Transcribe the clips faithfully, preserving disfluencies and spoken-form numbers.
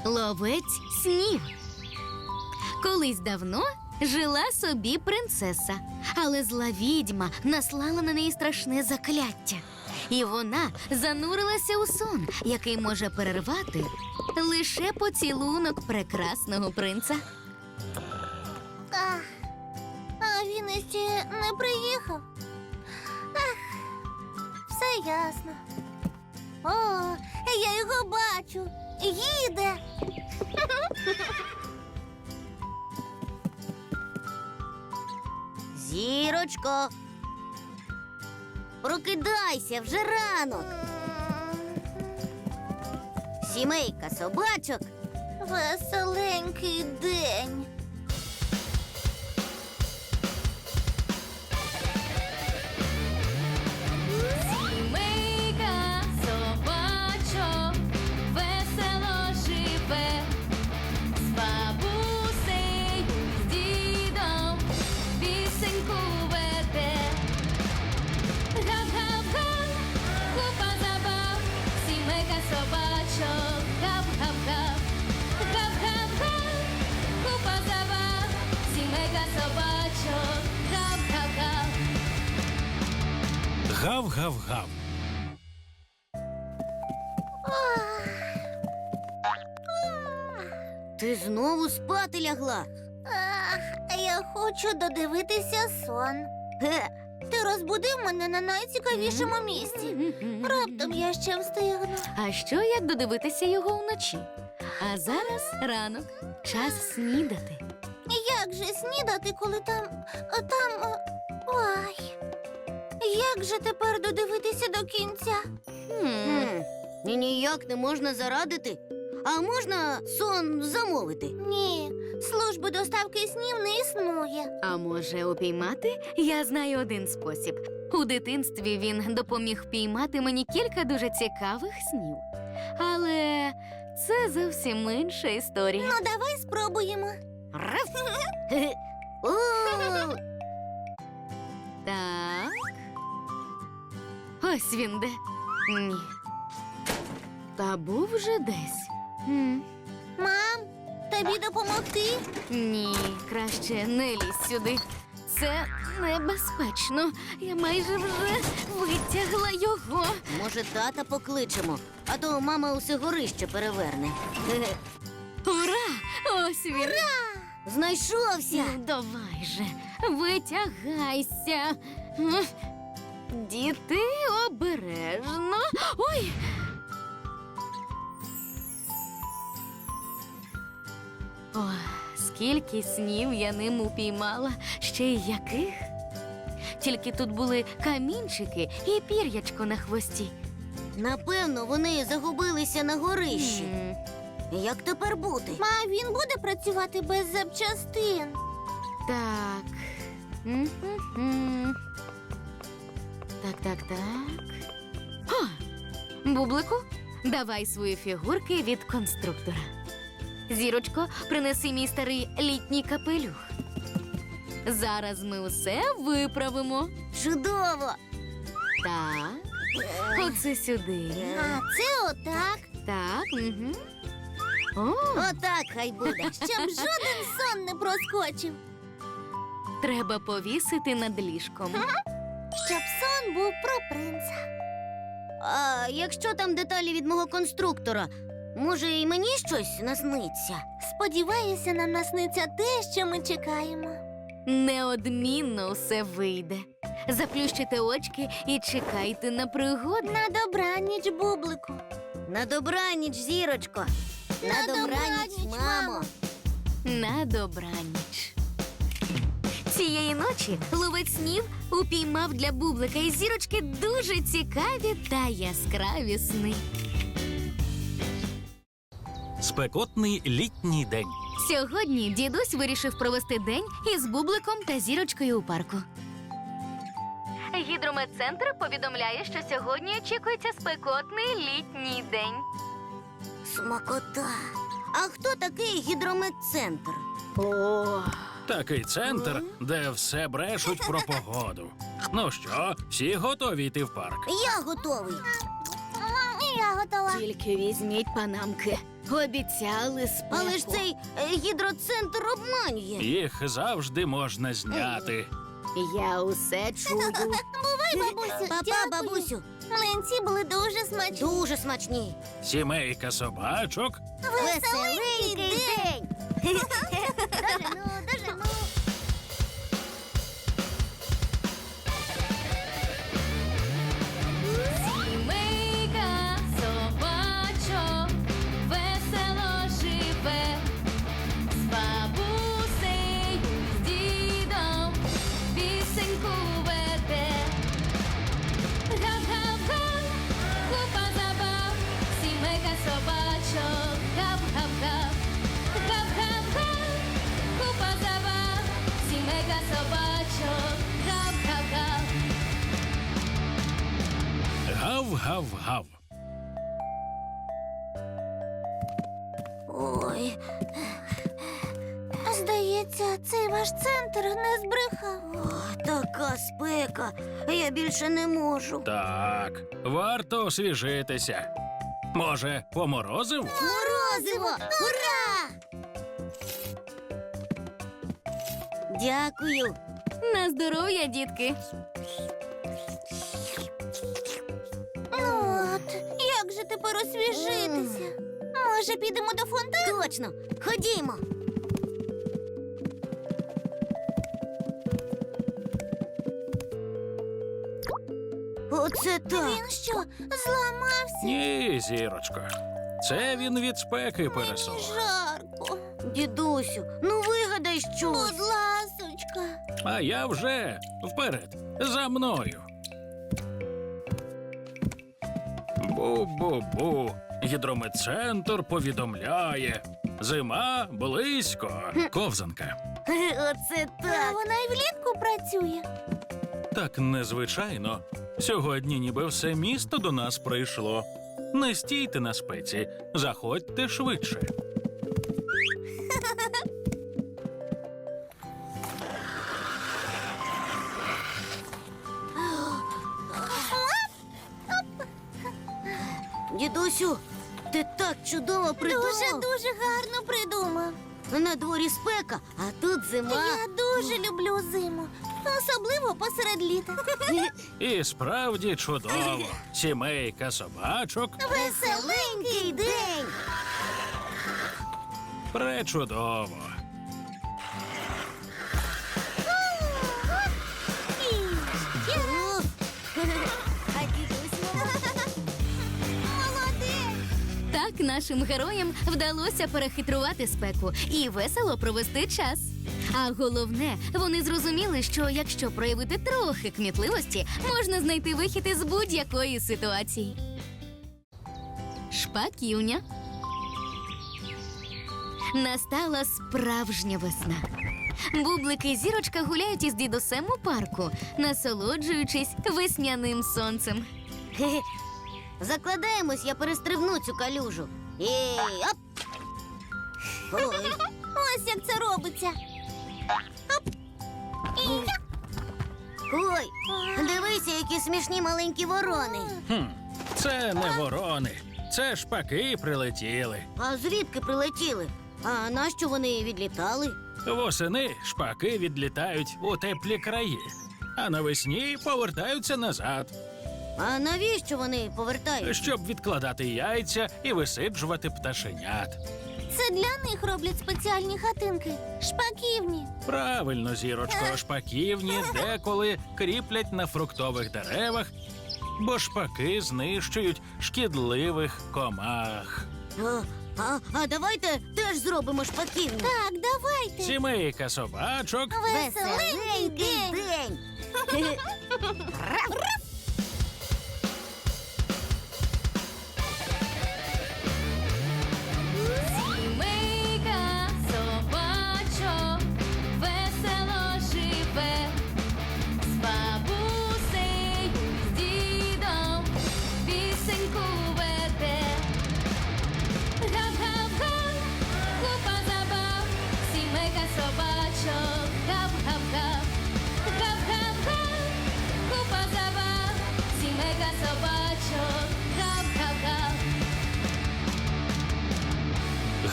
Ловець снів. Колись давно жила собі принцеса, але зла відьма наслала на неї страшне закляття. І вона занурилася у сон, який може перервати лише поцілунок прекрасного принца. А, а він іще не приїхав. Ах, все ясно. О, я його бачу. Їде. Зірочко, прокидайся, вже ранок. Сімейка собачок. Веселенький день. Сімейка собачок весело живе, з бабусею, з дідом пісеньку веде. Гап-гап-га, купа забав, сімейка собачок, гап-гап-гап. Гап-гап-га, купа забав, сімейка собачок, гап-гап-гап. Гав-гав-гав. Ти знову спати лягла? Ах, я хочу додивитися сон. Ге, Ти розбудив мене на найцікавішому місці. Раптом я ще встигну. А що, як додивитися його вночі? А зараз ранок, час снідати. Як же снідати, коли там. там. Ой. Як же тепер додивитися до кінця? Хм. Хм, і ніяк не можна зарадити. А можна сон замовити? Ні, служби доставки снів не існує. А може, упіймати? Я знаю один спосіб. У дитинстві він допоміг впіймати мені кілька дуже цікавих снів. Але це зовсім інша історія. Ну, давай спробуємо. Раф! Хе-хе. О, Так. Ось він де. Ні. Та був вже десь. М. Мам, тобі допомогти? Ні, краще не лізь сюди. Це небезпечно. Я майже вже витягла його. може, тата покличемо, а то мама усе горище переверне. Хе-хе. Ура! Ось він. Знайшовся. Ну, давай же, витягайся. М. Діти, обережно. Ой! Ой, скільки снів я ним упіймала, ще й яких. Тільки тут були камінчики і пір'ячко на хвості. Напевно, вони загубилися на горищі. М. Як тепер бути? Ма, він буде працювати без запчастин. Так. М-м-м. Так, так, так. О! Бублику, давай свої фігурки від конструктора. Зірочко, принеси мій старий літній капелюх. Зараз ми усе виправимо. Чудово! Так. Оце сюди. А це отак. Так. Угу. О, Отак хай буде. Щоб жоден сон не проскочив. треба повісити над ліжком. Щоб сон був про принца. А якщо там деталі від мого конструктора, може, і мені щось насниться? Сподіваюся, нам насниться те, що ми чекаємо. Неодмінно все вийде. Заплющите очки і чекайте на пригоди. На добраніч, бублику. На добраніч, зірочко. На, На добраніч, добраніч, мамо. мамо. На добраніч. Цієї ночі ловець снів упіймав для бублика і зірочки дуже цікаві та яскраві сни. Спекотний літній день. Сьогодні дідусь вирішив провести день із бубликом та зірочкою у парку. Гідрометцентр повідомляє, що сьогодні очікується спекотний літній день. Смакота. А хто такий гідрометцентр? О, Такий центр, де все брешуть про погоду. Ну що, всі готові йти в парк? Я готовий. Я готова. Тільки візьміть панамки. Обіцяли спеку. Але ж цей е, гідроцентр обманює. Їх завжди можна зняти. Я усе чую. Бувай, бабусю. Папа, Дякую. бабусю, Млинці були дуже смачні. дуже смачні. Сімейка собачок Веселенький день. Дожену, дожену. Сімейка собачок весело живе, з бабусею, з дідом пісеньку веде. Гав-гав-га, купа забав, сімейка собачок, гав-гав-гав. Гав-гав-га, купа забав, сімейка собачок, гав-гав-гав. гав-гав-гав. Ой. Здається, цей ваш центр не збрехав. О, така спека. Я більше не можу. Так, варто освіжитися. Може, поморозив? Морозиво! Ура! Дякую. На здоров'я, дітки. Ну от, як же тепер освіжитися? Може, підемо до фонтану? Точно. Ходімо. Оце так. Він що, зламався? Ні, зірочко. Це він від спеки пересох. Жарко. Дідусю, ну вигадай Будь щось. ласочка. А я вже вперед, за мною. Бу-бу-бу. Гідрометцентр повідомляє. Зима близько. Ковзанка. Оце А так. вона і влітку працює. Так незвичайно. Сьогодні ніби все місто до нас прийшло. Не стійте на спеці, заходьте швидше. Дідусю, ти так чудово придумав. Дуже-дуже гарно придумав. На дворі спека, а тут зима. Я дуже люблю зиму. Особливо посеред літа. І справді чудово. Сімейка собачок Веселенький день. пречудово. О, а дідусь Молодець! Так нашим героям вдалося перехитрувати спеку і весело провести час. А головне, вони зрозуміли, що якщо проявити трохи кмітливості, можна знайти вихід із будь-якої ситуації. Шпаківня. Настала справжня весна. Бублики і зірочка гуляють із дідусем у парку, насолоджуючись весняним сонцем. Хе-хе. Закладаємось, я перестрибну цю калюжу. Ей, оп! Ой, Ось як це робиться. ой, дивися, які смішні маленькі ворони. Хм, це не ворони, це шпаки прилетіли. А звідки прилетіли? А нащо вони відлітали? Восени шпаки відлітають у теплі краї, а навесні повертаються назад, А навіщо вони повертаються? щоб відкладати яйця і висиджувати пташенят. Це для них роблять спеціальні хатинки. Шпаківні. Правильно, зірочко, шпаківні деколи кріплять на фруктових деревах, бо шпаки знищують шкідливих комах. А, а, а давайте теж зробимо шпаківню. Так, давайте. Сімейка собачок Веселенький день. день. Сімейка собачок весело живе, з бабусею, з дідом пісеньку веде. Гав-гав-га, купа забав, сімейка собачок, гав-гав-гав. Гав-гав-га, купа забав,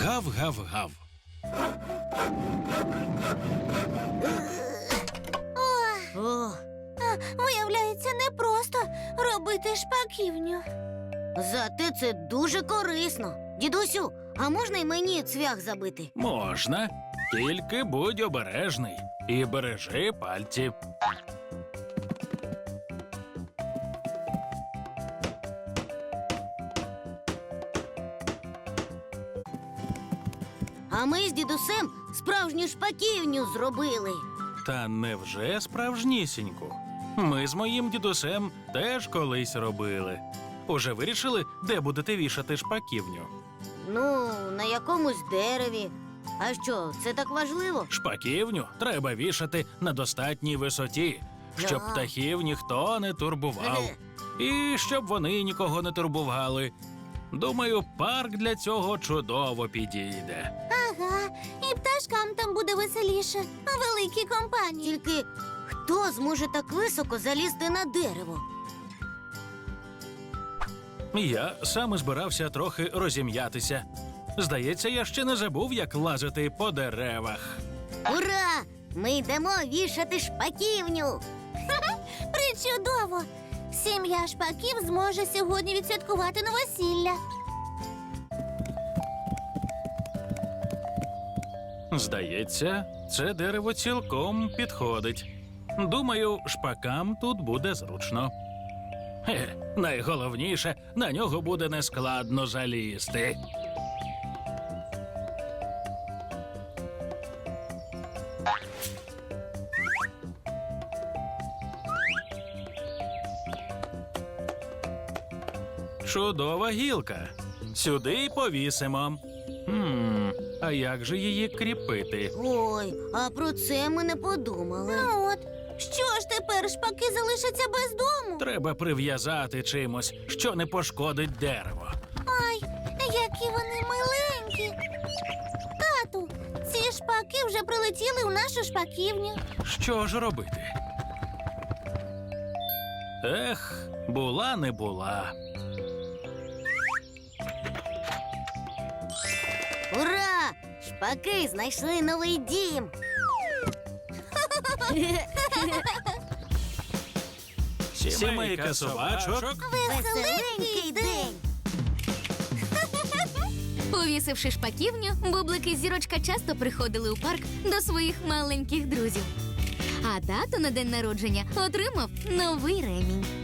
Гав-гав-гав. О, Виявляється, непросто робити шпаківню. зате це дуже корисно. Дідусю, а можна й мені цвях забити? Можна, тільки будь обережний і бережи пальці. А ми з дідусем справжню шпаківню зробили. Та невже справжнісіньку? Ми з моїм дідусем теж колись робили. Уже вирішили, де будете вішати шпаківню? Ну, на якомусь дереві. А що, це так важливо? Шпаківню треба вішати на достатній висоті, щоб Да. птахів ніхто не турбував. І щоб вони нікого не турбували. Думаю, парк для цього чудово підійде. Ага, і пташкам там буде веселіше. Великі компанії. Тільки хто зможе так високо залізти на дерево? Я саме збирався трохи розім'ятися. Здається, я ще не забув, як лазити по деревах. Ура! Ми йдемо вішати шпаківню. Причудово! Сім'я шпаків зможе сьогодні відсвяткувати новосілля. Здається, це дерево цілком підходить. Думаю, шпакам тут буде зручно. Хе, найголовніше, на нього буде нескладно залізти. Чудова гілка. Сюди й повісимо. Хм, а як же її кріпити? Ой, а про це ми не подумали. Ну от, що ж тепер шпаки залишаться без дому? Треба прив'язати чимось, що не пошкодить дерево. Ай, які вони миленькі. Тату, ці шпаки вже прилетіли у нашу шпаківню. Що ж робити? Ех, була не була. Ура! Шпаки знайшли новий дім. Сімейка собачок. Веселенький день. Повісивши шпаківню, бублики і зірочка часто приходили у парк до своїх маленьких друзів. А тато на день народження отримав новий ремінь.